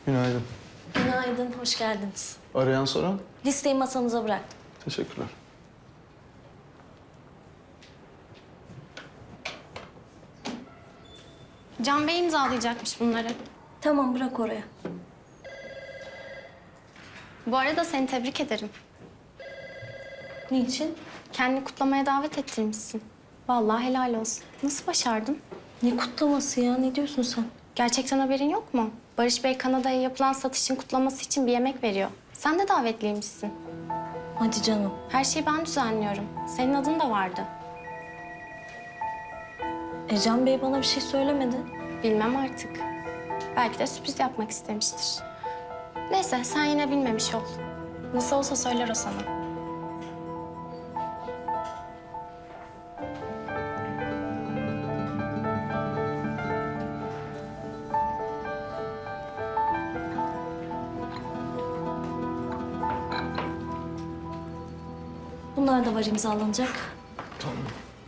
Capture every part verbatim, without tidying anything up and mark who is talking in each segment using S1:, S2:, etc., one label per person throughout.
S1: Günaydın.
S2: Günaydın, hoş geldiniz.
S1: Arayan soran?
S2: Listeyi masanıza bıraktım.
S1: Teşekkürler.
S3: Can Bey imzalayacakmış bunları.
S2: Tamam, bırak oraya.
S3: Bu arada seni tebrik ederim.
S2: Niçin?
S3: Kendini kutlamaya davet ettirmişsin. Vallahi helal olsun. Nasıl başardın?
S2: Ne kutlaması ya, ne diyorsun sen?
S3: Gerçekten haberin yok mu? Barış Bey Kanada'ya yapılan satışın kutlaması için bir yemek veriyor. Sen de davetliymişsin.
S2: Hadi canım.
S3: Her şeyi ben düzenliyorum. Senin adın da vardı.
S2: E Can Bey bana bir şey söylemedi.
S3: Bilmem artık. Belki de sürpriz yapmak istemiştir. Neyse sen yine bilmemiş ol. Nasıl olsa söyler o sana.
S2: Bunlar da var imzalanacak.
S1: Tamam.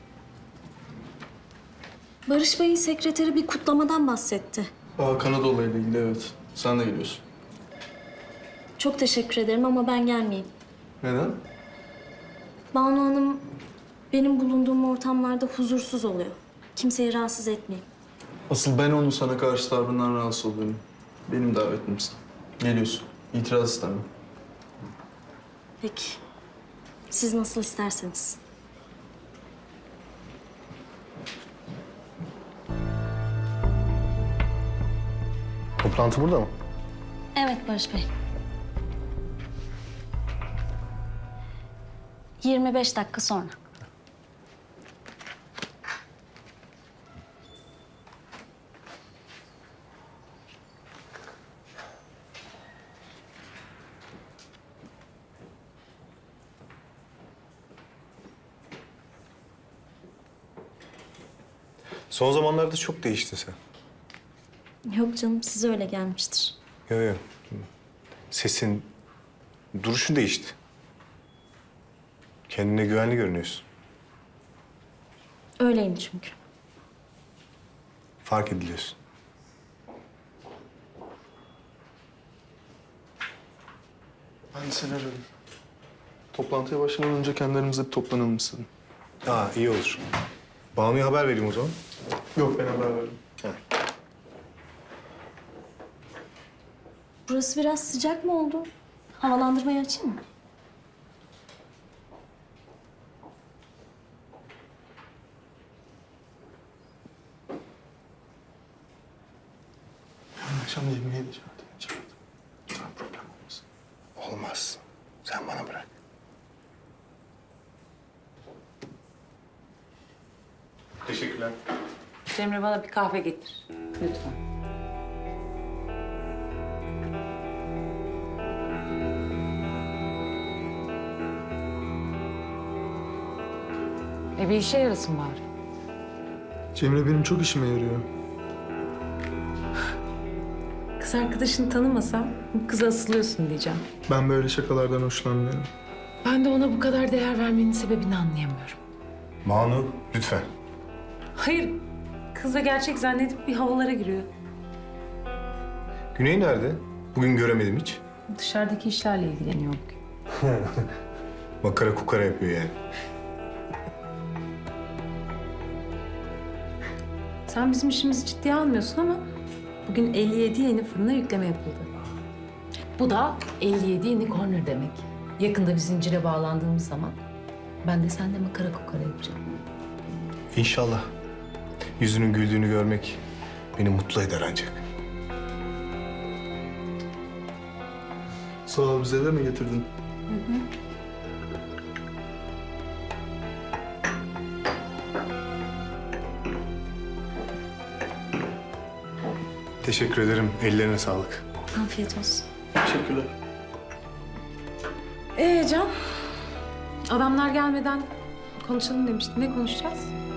S2: Barış Bey'in sekreteri bir kutlamadan bahsetti.
S1: Aa, Kanada olayıyla ilgili evet. Sen de geliyorsun.
S2: Çok teşekkür ederim ama ben gelmeyeyim.
S1: Neden?
S2: Banu Hanım benim bulunduğum ortamlarda huzursuz oluyor. Kimseyi rahatsız etmeyeyim.
S1: Asıl ben onun sana karşı tavrından rahatsız oluyorum. Benim davetimsin. Geliyorsun. İtiraz istemem.
S2: Peki. Siz nasıl isterseniz.
S4: Toplantı burada mı?
S2: Evet Barış Bey. yirmi beş dakika sonra.
S4: Son zamanlarda çok değiştin sen.
S2: Yok canım, size öyle gelmiştir.
S4: Yok yok. Sesin, duruşun değişti. Kendine güvenli görünüyorsun.
S2: Öyleyim çünkü.
S4: Fark ediliyorsun.
S1: Ben de seni aradım. Toplantıya başlamadan önce kendi aramızda bir toplanalım istedim.
S4: Aa iyi olur. Banu'ya haber vereyim o zaman.
S1: Yok, ben haber veririm.
S2: Burası biraz sıcak mı oldu? Havalandırmayı açayım mı?
S1: Yarın akşam yemeğe de çağırdım. Çağırdım. Sana problem olmasın.
S4: Olmaz. Sen bana bırak. Teşekkürler.
S5: Cemre bana bir kahve getir. Lütfen. E bir işe yarasın bari.
S1: Cemre benim çok işime yarıyor.
S5: Kız arkadaşını tanımasam bu kıza asılıyorsun diyeceğim.
S1: Ben böyle şakalardan hoşlanmıyorum.
S5: Ben de ona bu kadar değer vermenin sebebini anlayamıyorum.
S4: Banu lütfen.
S5: Hayır, kız da gerçek zannedip bir havalara giriyor.
S4: Güney nerede? Bugün göremedim hiç.
S5: Dışarıdaki işlerle ilgileniyor bugün.
S4: Makara kukara yapıyor yani.
S5: Sen bizim işimizi ciddiye almıyorsun ama bugün elli yedi yeni fırına yükleme yapıldı. Bu da elli yedi yeni corner demek. Yakında bir zincire bağlandığımız zaman ben de seninle makara kukara yapacağım.
S4: İnşallah. Yüzünün güldüğünü görmek beni mutlu eder ancak.
S1: Sağ ol, bize de mi getirdin?
S4: Teşekkür ederim. Ellerine sağlık.
S2: Afiyet olsun.
S1: Teşekkürler.
S5: Ee Can, adamlar gelmeden konuşalım demiştin. Ne konuşacağız?